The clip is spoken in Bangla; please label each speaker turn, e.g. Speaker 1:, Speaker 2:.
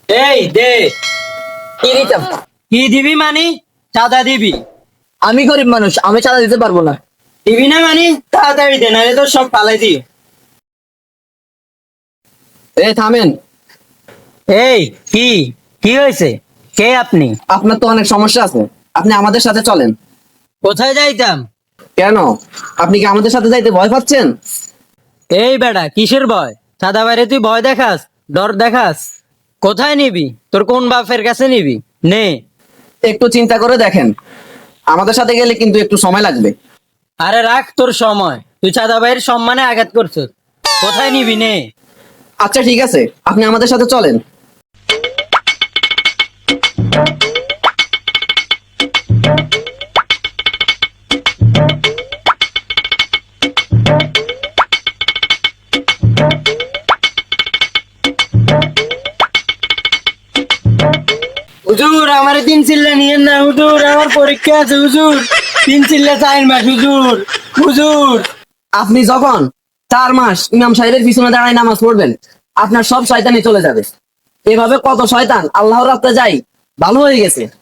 Speaker 1: এই দে।
Speaker 2: কি দিতাম?
Speaker 1: কি দিবি মানি? চাঁদা দিবি?
Speaker 2: আমি গরিব মানুষ, আমি চাঁদা দিতে পারবো না।
Speaker 1: দিবি না মানি? তাড়াতাড়ি দে, নাহলে তো সব পালাই দিই।
Speaker 2: এই থামেন।
Speaker 1: এই কি কি হয়েছে? কে আপনি?
Speaker 2: আপনার তো অনেক সমস্যা আছে, আপনি আমাদের সাথে চলেন।
Speaker 1: কোথায় যাইতাম?
Speaker 2: কেন, আপনি কি আমাদের সাথে যাইতে ভয় পাচ্ছেন?
Speaker 1: এই বেটা, কিসের ভয়? চাঁদা বাইরে তুই ভয় দেখাস, ডর দেখাস? কোথায় নিবি? তোর কোন বাপের কাছে নিবি? নে।
Speaker 2: একটু চিন্তা করে দেখেন, আমাদের সাথে গেলে কিন্তু একটু সময় লাগবে।
Speaker 1: আরে রাখ তোর সময়, তুই চাঁদা বাইরের সম্মানে আঘাত করছিস। কোথায় নিবি? নে।
Speaker 2: আচ্ছা ঠিক আছে, আপনি আমাদের সাথে চলেন।
Speaker 1: হুজুর, আমার 3 চিল্লা নিয়েন না হুজুর, আমার পরীক্ষা আছে হুজুর। 3 চিল্লা 4 মাস হুজুর। হুজুর,
Speaker 2: আপনি যখন 4 মাস ইমাম সাহেবের পিছনে দাঁড়ায় নামাজ পড়বেন, আপনার সব শয়তানি চলে যাবে। এভাবে কত শয়তান আল্লাহর রাস্তায় যাই ভালো হয়ে গেছে।